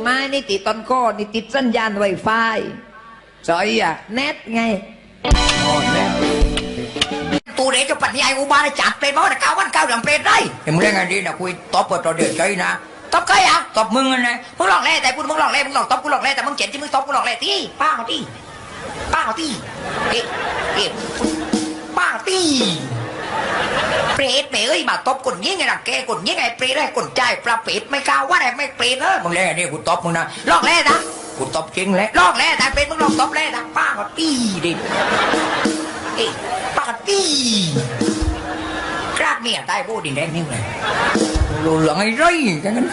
ไม้นี่ติดต้นก้อนี่ติดสัญญาณไวไฟสอยอ่ะเน็ตไงอ๋อเน็ตตูเด็กจะปัญญาอุบาลจัดเป็นเพราะว่า9 วัน 9 เดือนเป็นได้เห็นมึงเล่นไงดีนะคุยตบกับตัวเดือดใจนะตบใครอ่ะตบมึงไงมึงหลอกเล่แต่มึงหลอกเล่มึงหลอกตบกูหลอกเล่แต่มึงเจ็บที่มึงตบกูหลอกเล่ที่ป้าเขาที่ป้าเขาที่เอ๊ะป้าที่เปรตเอ้ยมาตบคนยิ่งไงล่ะแกคนยิ่งไงเปรตได้คนใจปลาเปรตไม่กล้าว่าอะไรไม่เปรตมึงเล่นไงดีกูตบมึงนะหลอกเล่นะกูตบจริงแหละหลอกเล่แต่เป็นมึงหลอกตบเล่นะป้าเขาที่ดิป้าที่กราดเมียตายโบดินแดงนี่เลยรู้เรื่องไอ้ไรกันนั้น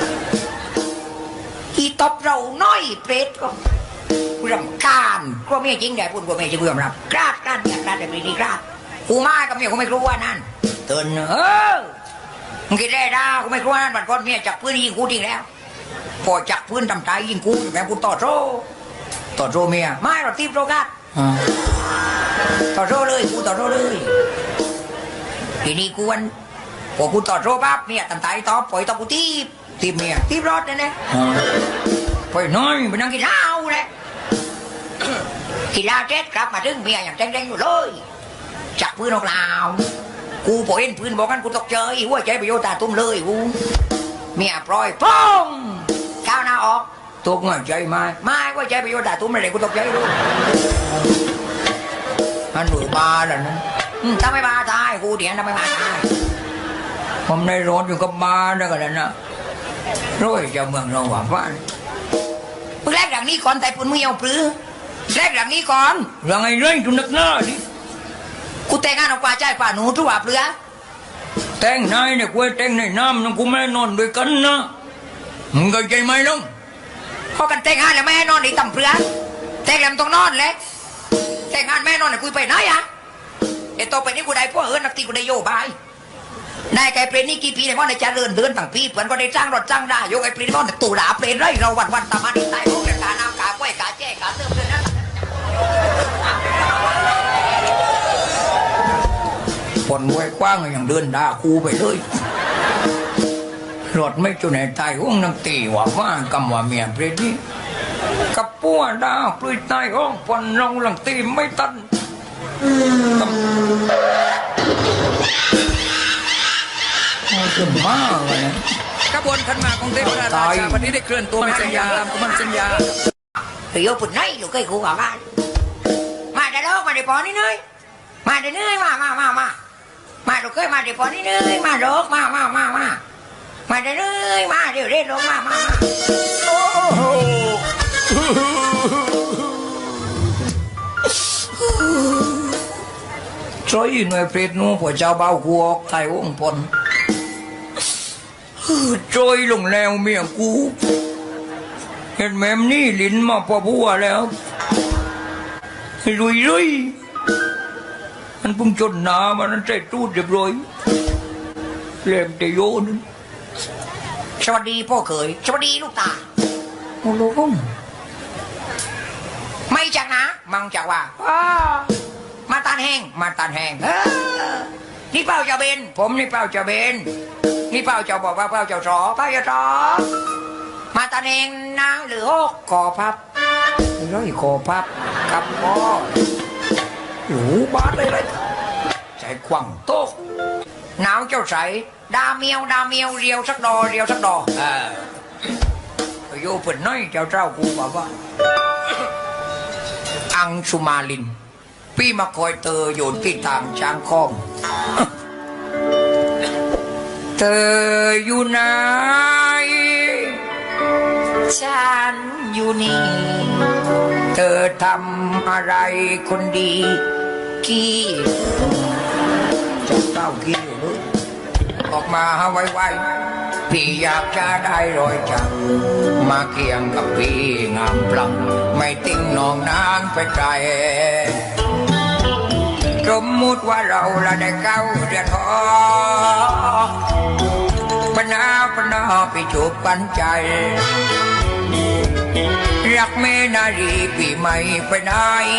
อีตบเราน้อยเปรตก็รำคาญกลัวเมียจริงแต่พูดกลัวเมียจะเบื่อรับกราดเมียกราดแต่ไม่ดีกราดกูมากับเมียกูไม่กลัวนั่นเตือนมึงคิดได้ด่ากูไม่กลัวนั่นบัดก่อนเมียจับปืนยิงกูจริงแล้วพอจับปืนทำใจยิงกูแม่กูต่อโซ่เมียไม่เราตีโรกัดต่อโซ่เลยกูต่อโซ่เลยทีนี้กูวันพอกูต่อโซ่ปั๊บเมียทำใจต่อปล่อยต่อกูตีเมียตีรถนั่นแหละปล่อยน้อยไปนั่งกินเหล้าเลยกินเหล้าเสร็จกลับมาถึงเมียอย่างเด้งๆอยู่เลยจับปืนออกลาวกูพอเห็นปืนบอกกันกูตกใจหัวใจไปโยตาตุ้มเลยกูเมียปล่อยป้องก้าวหน้าออกตกใจไม่หัวใจไปโยตาตุ้มเลยกูตกใจด้วยอันหนูบ้าแล้วนะทำไมบ้าตายกูเดี๋ยวทำไมบ้าตายผมในรถอยู่กับบ้านนั่นกันนะร้อยจะเมืองเราหวานฟ้ามึงแรกอย่างนี้ก่อนแต่ปุ่นมึงเอาปลื้อแรกอย่างนี้ก่อนเรื่องไอ้เรื่องจุนักหน้าดิกูแต่งงานเอากว่าใจกว่าหนูทุกว่าเปลือแต่งนายเนี่ยกูแต่งในน้ำนั่งกูไม่นอนด้วยกันนะมึงก็ใจไหมล่ะพอกันแต่งงานแล้วไม่ให้นอนในต่ำเปลือแต่งแล้วต้องนอนเลยแต่งงานแม่นอนเนี่ยกูไปไหนอะเดี๋ยวต่อไปนี้กูได้พวกนักตีกูได้โยบายนายไก่เปรนี่กี่ปีเนี่ยว่าในจะเดินต่างปีเพื่อนก็ได้จ้างรถจ้างได้ยกไอ้เปรนก็ตู่ด่าเปรนไรเราวันตามาดีตายพวกเด็กกาน้ำกาก้วยกาแจ้กาเติมเลยนะผลไว้กว้างอย่างเดินด่าคูไปเลยรถไม่จุนในใจห้องนังตีว่ากำว่าเมียเปรนี่กับปัวด่าปลุยตายห้องผลเราหลังตีไม่ตันจะบ้าเลยนะขบวนขันหมากของเทพราชาวันนี้ได้เคลื่อนตัวไปสัญญาตามคำสัญญาเฮ้ยปุ่นไหนลูกเคยขู่กับบ้านมาได้แล้วมาได้ปอนี่เนยมาได้เนยมาลูกเคยมาได้ปอนี่เนยมาลูกมาได้เนยมาเดี๋ยวเรียกลูกมาช่วยหน่วยเปรตนู้ผัวเจ้าเบากูออกไทยวงพลช่วยลงแล้วเมียกูเห็นแม่มนี่ลิ้นมาพอบัวแล้วลุยมันพุ่งจนหนามันใจตูดเรียบร้อยเล่มแต่โยนสวัสดีพ่อเขยสวัสดีลูกตาโอ้โหไม่จากนะมังจากว่ามาตานแห้งนี่เป้าเจ้าเบนผมนี่เป้าเจ้าเบนนี่เป้าเจ้าบอกว่าเป้าเจ้าสอมาตานแห้งนะหรือคอพับร้อยคอพับกับพ่อหูบาดเลยใจขวังโต๊ะหนาวเจ้าใสดาเมียวเรียวสักดอโยเป็นน้อยเจ้ากูบอกว่าอังสุมาลินพี่มาคอยเธออยู่ที่ทางช้างคอมเธออยู่ไหนฉันอยู่นี่เธอทำอะไรคนดีกี้เจ้ากี้อยู่นู้นออกมาไวๆพี่อยากจะได้รอยจักมาเคียงกับพี่งามพลังไม่ติ้งนองนางไปไกลสมมุติว่าเราละได้เก้าเดือนหอปนาไปจูบกันใจรักเมนารีปีใหม่ไปไหน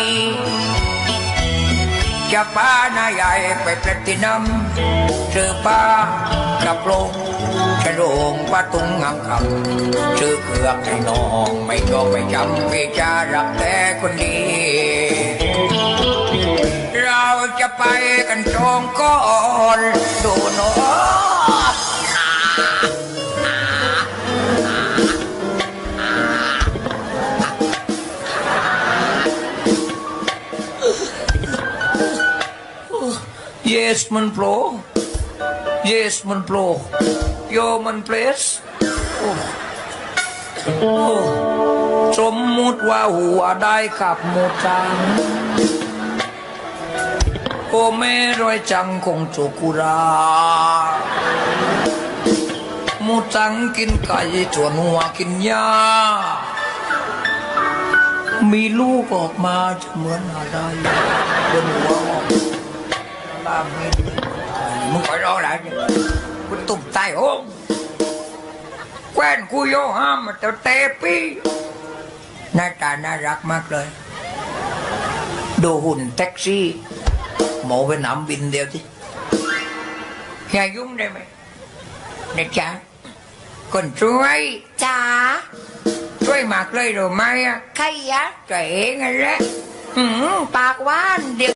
จะป้าหน้าใหญ่ไปแพลตินัมเจอป้ากับลงใจโรงประตุงงามคำชื่อเครืองให้น้องไม่ต้องไม่จำพี่จะรักแต่คนดี เราจะไปกันตรงก่อนดูหนอYes มันโปร Yes มันโปรโยมันเพลสโอ้โอ้สมมุติว่าหัวได้ขับหมูจังโอเมรอยจังคงโจกุราหมูจังกินไก่จวนหัวกินหญ้ามีลูกออกมาจะเหมือนอะไรบนหัวออกลามีมึงคอยรออะไรเนี่ยกูตุ่มตายโอ้งแคว้นกูโยห้ามมาแต่เตปีหน้าตาน่ารักมากเลยดูหุ่นแท็กซี่หมอไปนำบินเดียวสิอย่ายุ่งได้ไหมนะจ๊ะคนช่วยจ๋าช่วยมากเลยหรือไม่อะใครอะตัวเองนั่นแหละปากหว่านเดี๋ยว